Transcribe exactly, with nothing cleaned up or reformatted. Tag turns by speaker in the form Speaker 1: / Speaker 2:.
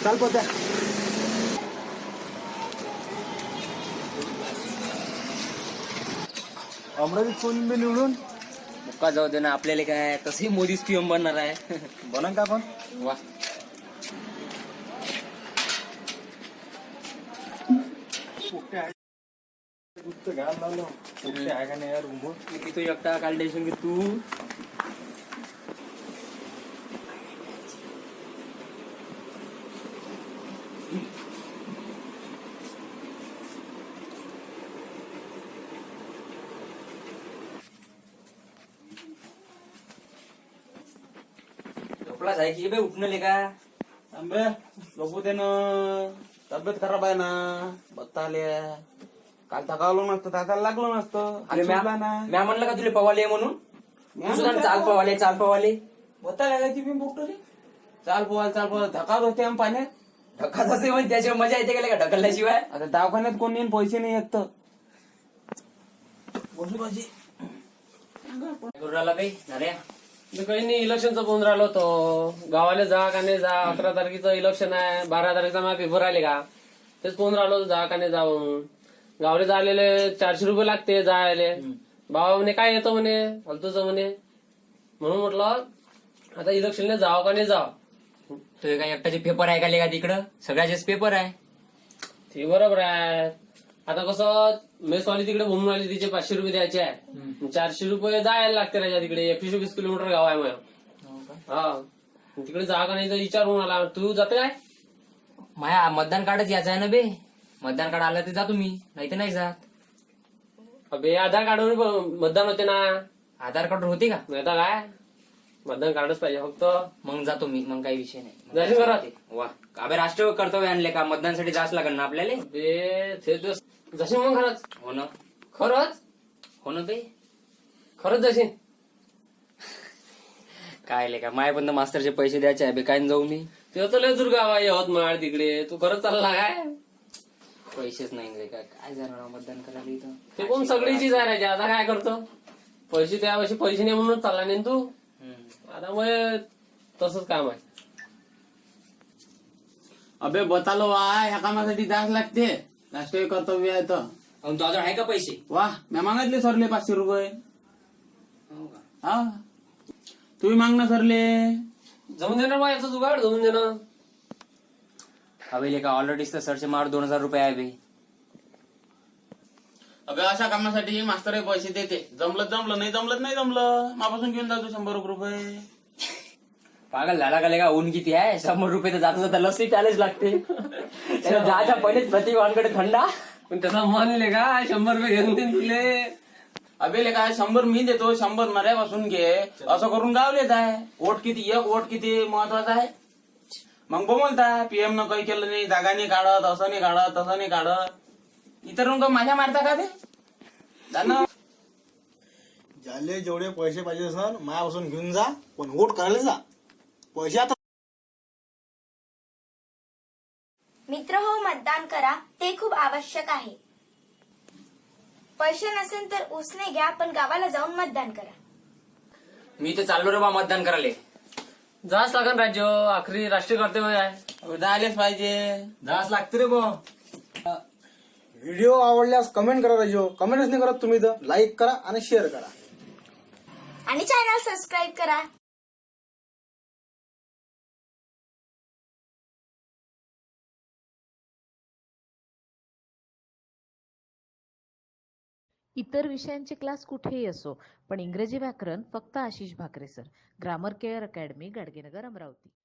Speaker 1: चाल पत्या. अमरावतीत कोण बी निवडून
Speaker 2: मुक्का जाऊ दे ना, आपल्याला काय तसंही मोदीच पीएम बनणार आहे.
Speaker 1: बनन का पण.
Speaker 2: वा,
Speaker 1: घाल लावलं आहे का नाही यार.
Speaker 2: किती तो एकटा काढले तू. झोपला जाय की बे, उठणं का
Speaker 1: आंबे झोपू दे ना. तब्येत खराब आहे ना. बत्ता आल्या. काल थकावलो नसतं दादाला लागलो नसतं.
Speaker 2: अरे म्या
Speaker 1: सुटला ना.
Speaker 2: म्या म्हणलं का तुला पवाले म्हणून.
Speaker 1: म्या
Speaker 2: तू सुद्धा
Speaker 1: म्हणलं
Speaker 2: चाल
Speaker 1: का?
Speaker 2: पवाले चाल पवाले
Speaker 1: बत्ता लागायची मी बोकटो रे. चाल पोवाल चाल पोवाल धकात होते आम पाण्यात.
Speaker 2: ढकल असे म्हणजे त्याच्यावर मजा येते का का ढकलल्याशिवाय.
Speaker 1: आता दवाखान्यात कोण येईन पैसे नाही येत तर. बोलू पाहिजे
Speaker 2: करू राहिला काही नाऱ्या.
Speaker 3: काही नाही, इलेक्शनचं बोलून राहिलो होतो. गावाला जा का नाही जा. अकरा तारखेचं इलेक्शन आहे, बारा तारखेचा माझा पेपर आले का. तेच फोन राहिलो होतो, जा का नाही जा म्हणून. गावले जायले चारशे रुपये लागते जायले. बाबा म्हणे काय येतो म्हणे फालतूचं म्हणे. म्हणून म्हटलं आता इलेक्शनला जावं का नाही जावं.
Speaker 2: तुझे काय एकट्याचे पेपर आहे का का तिकडं. सगळ्याचेच पेपर आहे.
Speaker 3: ते बरोबर आहे. आता कसं मेसवाली तिकडे बोलून राहिली, तिचे पाचशे रुपये द्यायचे आहे. चारशे रुपये जायला लागते राजा तिकडे. एकशे वीस किलोमीटर गाव आहे माझं. हा, तिकडे जा का नाही तर विचारून आला. तू जाते काय.
Speaker 2: माया मतदान कार्डच यायचं आहे ना बे. मतदान कार्ड आलं तर जातो मी, नाही तर नाही जात.
Speaker 3: अबे आधार कार्डवर मतदान होते ना.
Speaker 2: आधार कार्ड होते का.
Speaker 3: नाही तर काय, मतदान कार्डच पाहिजे फक्त.
Speaker 2: मग जातो मी, मग काही विषय नाही.
Speaker 3: जाशील घरात.
Speaker 2: वा, अबे राष्ट्रीय कर्तव्य आणले का. मतदानासाठी जास्त लागेल ना आपल्याला.
Speaker 3: बे ते दिवस जशील मग खरंच.
Speaker 2: हो ना.
Speaker 3: खरंच
Speaker 2: हो ना बे.
Speaker 3: खरंच जशील.
Speaker 2: काय ले का माय पण मास्तरचे पैसे द्यायचे आहे बे. काय जाऊ मी.
Speaker 3: ते तर लय दुर्गाव यवतमाळ तिकडे. तू खरंच चालला काय.
Speaker 2: पैसेच नाही रे. काय काय जाणार मतदान करायला इथं.
Speaker 3: ते कोण सगळीची जायचे. आता काय करतो. पैसे त्यावर्षी पैसे नाही म्हणूनच चालला नाही तू. आता मग तसंच काम आहे.
Speaker 1: अबे बतालो वा ह्या कामासाठी जास्त लागते. राष्ट्रीय कर्तव्य आहे तर.
Speaker 2: अन तुझ्याजवळ आहे का पैसे.
Speaker 1: वा मी मागितले सरले पाचशे रुपये.
Speaker 2: हो का.
Speaker 1: हा तुम्ही मागणं सरले.
Speaker 3: जमून देणार बा याचं जुगाड जमून देणार.
Speaker 2: हवेली का ऑलरेडी तर सरचे मार दोन हजार रुपये आहे बे.
Speaker 1: अबे अशा कामासाठी मास्तर पैसे देते. जमलं जमलं नाही जमलं नाही जमलं मापासून घेऊन जातो शंभर रुपये.
Speaker 2: पागल झाला का लेका. ऊन किती आहे. शंभर रुपये तर जाता जाता लस्सी प्यालेच लागते. जायच्या पहिलेच प्रतिभावांकडे थंडा.
Speaker 3: पण त्याचा म्हणले का शंभर रुपये घेऊन देईन तुले.
Speaker 1: अबे काय शंभर मी देतो शंभर मऱ्यापासून घे. असं करून गावलेच आहे. वोट किती एक वोट किती महत्वाचा आहे. मग बोलता पीएम न काही केलं नाही. जागा नाही काढत. असं नाही काढत तसं नाही काढत. इतर रंग माझ्या मारता का ते. जाणं
Speaker 4: ज्याले जेवढे पैसे पाहिजे सर मायापासून घेऊन जा. पण वोट करायला जा. पैसे आता
Speaker 5: मित्र हो, मतदान करा, ते खूप आवश्यक आहे. पैसे नसेल तर उसने घ्या, पण गावाला जाऊन मतदान करा.
Speaker 2: मी तर चाललो रे बा मतदान करायला.
Speaker 3: जाच लागन राज्य. आखरी राष्ट्रीय कर्तव्य आहे.
Speaker 1: जायलाच पाहिजे.
Speaker 4: जास लागते रे बा. व्हिडिओ आवडल्यास कमेंट करा राजो. कमेंटच नाही करत तुम्ही तर लाईक करा आणि शेअर करा.
Speaker 5: आणि चॅनल सबस्क्राईब करा.
Speaker 6: इतर विषयांचे क्लास कुठेही असो, पण इंग्रजी व्याकरण फक्त Ashish Bhakare sir. Grammar care academy, Gadgenagar, Amravati.